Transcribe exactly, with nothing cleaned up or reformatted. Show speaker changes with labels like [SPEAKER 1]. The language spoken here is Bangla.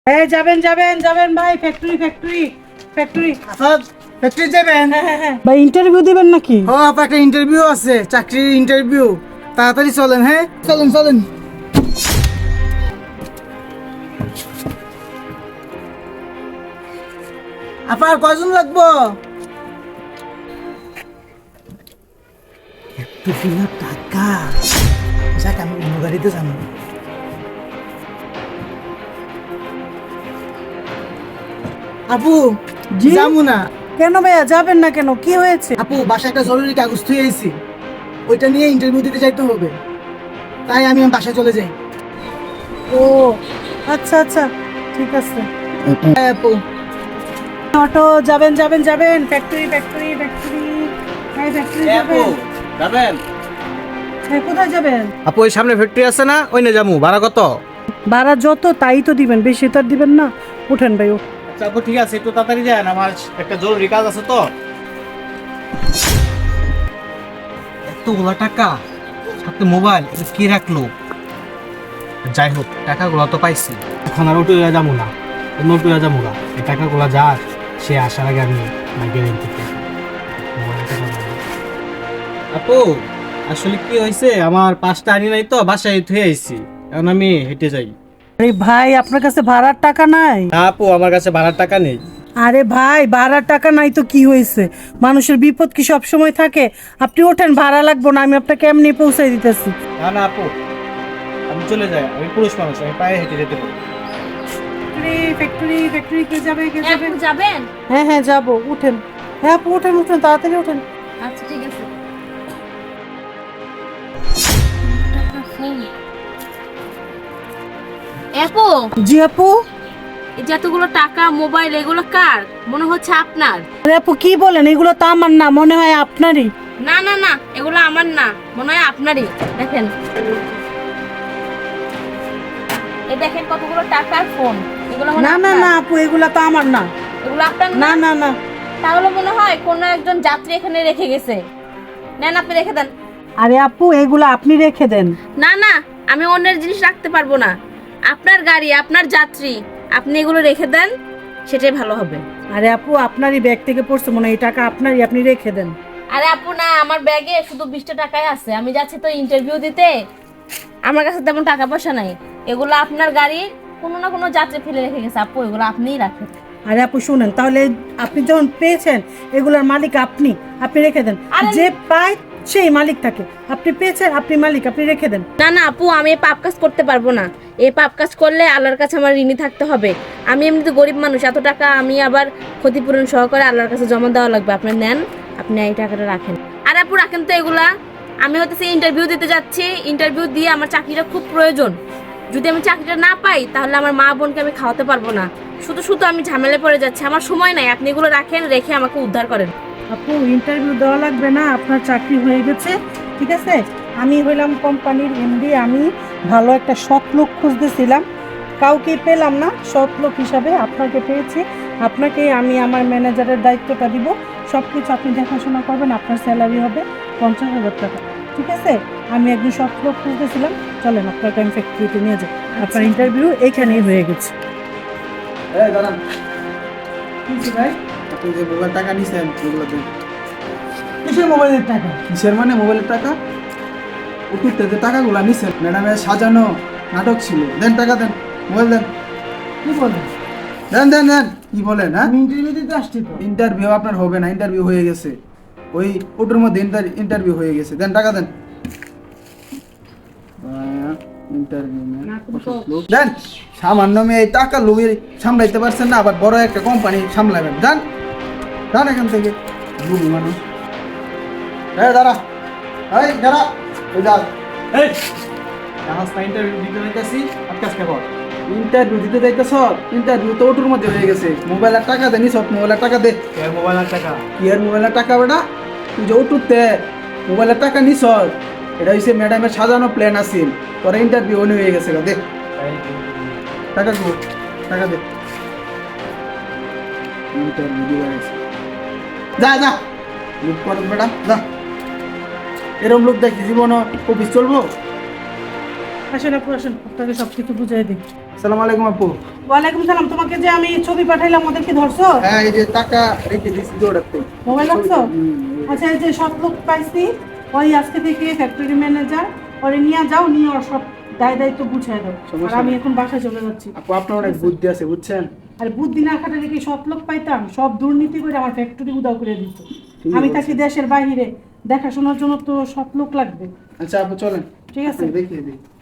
[SPEAKER 1] এই যাবেন যাবেন যাবেন ভাই, factory factory factory
[SPEAKER 2] Asad factory যাবেন?
[SPEAKER 1] ভাই ইন্টারভিউ দিবেন নাকি?
[SPEAKER 2] ও আপা একটা ইন্টারভিউ আছে, চাকরির ইন্টারভিউ। তাড়াতাড়ি চলেন। হ্যাঁ চলেন চলেন। আপা আর কয়জন লাগবো? এতগুলো টাকা, যাক আমি অন্য গাড়িতে যাবো। আপু
[SPEAKER 1] জি?
[SPEAKER 2] যাবো না।
[SPEAKER 1] কেন ভাইয়া যাবেন না কেন, কি হয়েছে?
[SPEAKER 2] আপু বাসায় একটা জরুরি কাগজ থুয়ে এসেছি, ওইটা নিয়ে ইন্টারভিউ দিতে যাইতে হবে, তাই আমি বাসায় চলে যাই।
[SPEAKER 1] ও আচ্ছা আচ্ছা, ঠিক আছে।
[SPEAKER 2] হ্যাঁ আপু।
[SPEAKER 1] অটো যাবেন যাবেন যাবেন, ফ্যাক্টরি ফ্যাক্টরি ফ্যাক্টরি ভাই, ফ্যাক্টরি যাবেন।
[SPEAKER 3] যাবেন?
[SPEAKER 1] হ্যাঁ, কোথায় যাবেন?
[SPEAKER 3] আপু ওই সামনে ফ্যাক্টরি আছে না, ওই না যাবো। ভাড়া কত?
[SPEAKER 1] ভাড়া যত তাই তো দিবেন, বেশি তো আর দিবেন না। উঠেন ভাই ও।
[SPEAKER 3] আচ্ছা আপু ঠিক আছে, একটু তাড়াতাড়ি যান, আমার একটা জরুরি কাজ আছে তো। এতগুলো টাকা, সাথে মোবাইল, এটা কি রাখলো? যাই হোক, টাকাগুলো তো পাইছি, এখন আর উঠে যাবো না, অন্য উঠে যাবো না। এই টাকাগুলো যাক, সে আসার আগে আমি গেলেন থেকে আপু আসলে কি হয়েছে, আমার পাঁচটা আনি নাই তো, বাসায় থুয়ে আইছি, এখন আমি হেঁটে যাই।
[SPEAKER 1] আরে ভাই, আপনার কাছে ভাড়ার টাকা নাই?
[SPEAKER 3] না আপু, আমার কাছে ভাড়ার টাকা নেই।
[SPEAKER 1] আরে ভাই, ভাড়ার টাকা নাই তো কি হয়েছে? মানুষের বিপদ কি সব সময় থাকে? আপনি ওঠেন, ভাড়া লাগবো না, আমি আপনাকে এমনি পৌঁছাই দিতেছি।
[SPEAKER 3] না না আপু, আমি চলে যাই, আমি পুরুষ মানুষ, আমি পায়ে হেঁটে যেতে পারি।
[SPEAKER 1] ফ্যাক্টরি ফ্যাক্টরি কে যাবে কে যাবে?
[SPEAKER 4] আপু যাবেন?
[SPEAKER 1] হ্যাঁ হ্যাঁ যাবো, উঠেন। হ্যাঁ আপু উঠেন উঠেন, তাড়াতাড়ি উঠেন।
[SPEAKER 4] আচ্ছা ঠিক আছে। আপু,
[SPEAKER 1] জি আপু।
[SPEAKER 4] এই যে এতগুলো টাকা, মোবাইল, এগুলো কার? মনে হচ্ছে আপনার।
[SPEAKER 1] আরে আপু কি বলেন, এগুলো তো আমার না, মনে হয় আপনারই।
[SPEAKER 4] না না না, এগুলো আমার না, মনে হয় আপনারই। দেখেন, এই দেখেন কতগুলো টাকার ফোন, এগুলো মনে
[SPEAKER 1] না
[SPEAKER 4] হয়
[SPEAKER 1] না
[SPEAKER 4] আপনার।
[SPEAKER 1] না আপু, এগুলো তো আমার না।
[SPEAKER 4] এগুলো আপনার
[SPEAKER 1] না
[SPEAKER 4] না?
[SPEAKER 1] না না।
[SPEAKER 4] তাহলে মনে হয় কোনো একজন যাত্রী এখানে রেখে গেছে। নেন, আপনি রেখে দেন।
[SPEAKER 1] আরে আপু, এগুলো আপনি রেখে দেন।
[SPEAKER 4] না না, আমি অন্যের জিনিস রাখতে পারবো না। আপনার গাড়ি, আপনার যাত্রী, আপনি এগুলো রেখে দেন, সেটাই ভালো হবে।
[SPEAKER 1] আরে আপু, আপনারই ব্যাগ থেকে পড়ছে মনে হয়, এই টাকা আপনারই, আপনি রেখে দেন।
[SPEAKER 4] আরে আপু না, আমার ব্যাগে শুধু বিশটা টাকাই আছে, আমি যাচ্ছি তো ইন্টারভিউ দিতে, আমার কাছে তেমন টাকা পয়সা নাই। এগুলো আপনার গাড়ির কোনো না কোনো যাত্রী ফেলে রেখে গেছে, আপু এগুলো আপনিই রাখেন।
[SPEAKER 1] আরে আপু শুনেন, তাহলে আপনি যখন পেয়েছেন, এগুলোর মালিক আপনি, আপনি রেখে দেন।
[SPEAKER 4] আরে
[SPEAKER 1] যে পায় সেই মালিক থাকে, আপনি পেয়েছেন, আপনি মালিক, আপনি রেখে দেন।
[SPEAKER 4] না না আপু, আমি এই পাপ কাজ করতে পারবো না। এই পাপ কাজ করলে আল্লাহর কাছে আমার ঋণী থাকতে হবে। আমি এমনিতে গরিব মানুষ, এত টাকা আমি আবার ক্ষতিপূরণ সহকারে আল্লাহর কাছে জমা দেওয়া লাগবে। আপনি নেন, আপনি এই টাকাটা রাখেন। আর আপু রাখেন তো এগুলা, আমি হয়তো সেই ইন্টারভিউ দিতে যাচ্ছি, ইন্টারভিউ দিয়ে আমার চাকরিটা খুব প্রয়োজন। যদি আমি চাকরিটা না পাই, তাহলে আমার মা বোনকে আমি খাওয়াতে পারবো না। শুধু শুধু আমি ঝামেলায় পড়ে যাচ্ছি, আমার সময় নাই। আপনি এগুলো রাখেন, রেখে আমাকে উদ্ধার করেন।
[SPEAKER 1] আপু ইন্টারভিউ দেওয়া লাগবে না, আপনার চাকরি হয়ে গেছে, ঠিক আছে। আমি হইলাম কোম্পানির এমডি, আমি ভালো একটা সৎ লোক খুঁজতেছিলাম, কাউকে পেলাম না। সৎ লোক হিসাবে আপনাকে পেয়েছি, আপনাকে আমি আমার ম্যানেজারের দায়িত্বটা দিব। সব কিছু আপনি দেখাশোনা করবেন, আপনার স্যালারি হবে পঞ্চাশ হাজার টাকা, ঠিক আছে। আমি একজন সৎ লোক খুঁজতেছিলাম, চলেন আপনাকে আমি ফ্যাক্টরিতে নিয়ে যাই। আপনার ইন্টারভিউ এইখানেই হয়ে গেছে।
[SPEAKER 2] এই দাঁড়ান। কি ভাই, আপনি যে মোবাইল টাকা নিছেন এগুলো দেন। কিসের মোবাইলের টাকা? কিসের মানে মোবাইলের টাকা? অতীতে যে টাকাগুলো নিছেন, ম্যাডামের সাজানো নাটক ছিল। দেন টাকা দেন, মোবাইল দেন। কি বলেন? দেন দেন দেন। কি বলেন? হ্যাঁ ইন্টারভিউ দিতে আসছি তো। ইন্টারভিউ আপনার হবে না, ইন্টারভিউ হয়ে গেছে। ওই ওটার মধ্যে ইন্টারভিউ হয়ে গেছে। দেন টাকা দেন। দেন। সামান্য মেয়ে এই টাকা লোভে সামলাইতে পারছেন না, আবার বড় একটা কোম্পানি সামলাবেন। যান যান এখান থেকে, বুড়ি মানুষ। এই দাঁড়া, এই দাঁড়া, এই যা।
[SPEAKER 3] এই জাহাজ না ইন্টারভিউ দিতে যাইতেছি, আজকে কর।
[SPEAKER 2] ইন্টারভিউ দিতে যাইতেছ? ইন্টারভিউ তো ওটার মধ্যে হয়ে গেছে। মোবাইলের টাকা দে, নিস মোবাইলের টাকা দে।
[SPEAKER 3] এর মোবাইলের টাকা?
[SPEAKER 2] কি আর মোবাইলের টাকা বেটা? তুই যে ওটুতে মোবাইলের টাকা নিস, এটা হচ্ছে ম্যাডামের সাজানো প্ল্যান আছিল। তোরা ইন্টারভিউ অন হয়ে গেছে। দে টাকা, দে টাকা দে। ইন্টারভিউ দিয়ে গেছে, যা যা লুক কর বেটা, যা। এরকম লোক দেখি জীবন অফিস চলবো?
[SPEAKER 1] আসেন আপু আসেন, আপনাকে সব কিছু বুঝিয়ে দিই।
[SPEAKER 2] আসসালামু আলাইকুম আপু।
[SPEAKER 1] ওয়ালাইকুম সালাম। তোমাকে যে আমি ছবি পাঠাইলাম ওদের কি ধরছো?
[SPEAKER 2] হ্যাঁ এই যে টাকা রেখে দিছি দৌড়াতে।
[SPEAKER 1] মোবাইল রাখছো?
[SPEAKER 2] হুম।
[SPEAKER 1] আচ্ছা, এই যে সব লোক পাইছি, ওই আজকে থেকে ফ্যাক্টরি ম্যানেজার, ওরে নিয়ে যাও, নিয়ে ওর সব দায় দায়িত্ব বুঝাই দাও।
[SPEAKER 2] সমস্যা
[SPEAKER 1] আর আমি
[SPEAKER 2] নেই।
[SPEAKER 1] এখন বাসায় চলে যাচ্ছি।
[SPEAKER 2] আপু আপনার অনেক বুদ্ধি আছে বুঝছেন।
[SPEAKER 1] আর বুদ্ধি না খাটালে কি সব লোক পাইতাম? সব দুর্নীতি করে আমার ফ্যাক্টরি উদাও করে দিত।
[SPEAKER 2] ঠিকই
[SPEAKER 1] আমি
[SPEAKER 2] বলছেন।
[SPEAKER 1] থাকি দেশের বাইরে, দেখাশোনার জন্য তো সব লোক লাগবে।
[SPEAKER 2] আচ্ছা আপু চলেন,
[SPEAKER 1] ঠিক আছে।
[SPEAKER 2] আপনাকে দেখিয়ে দিই।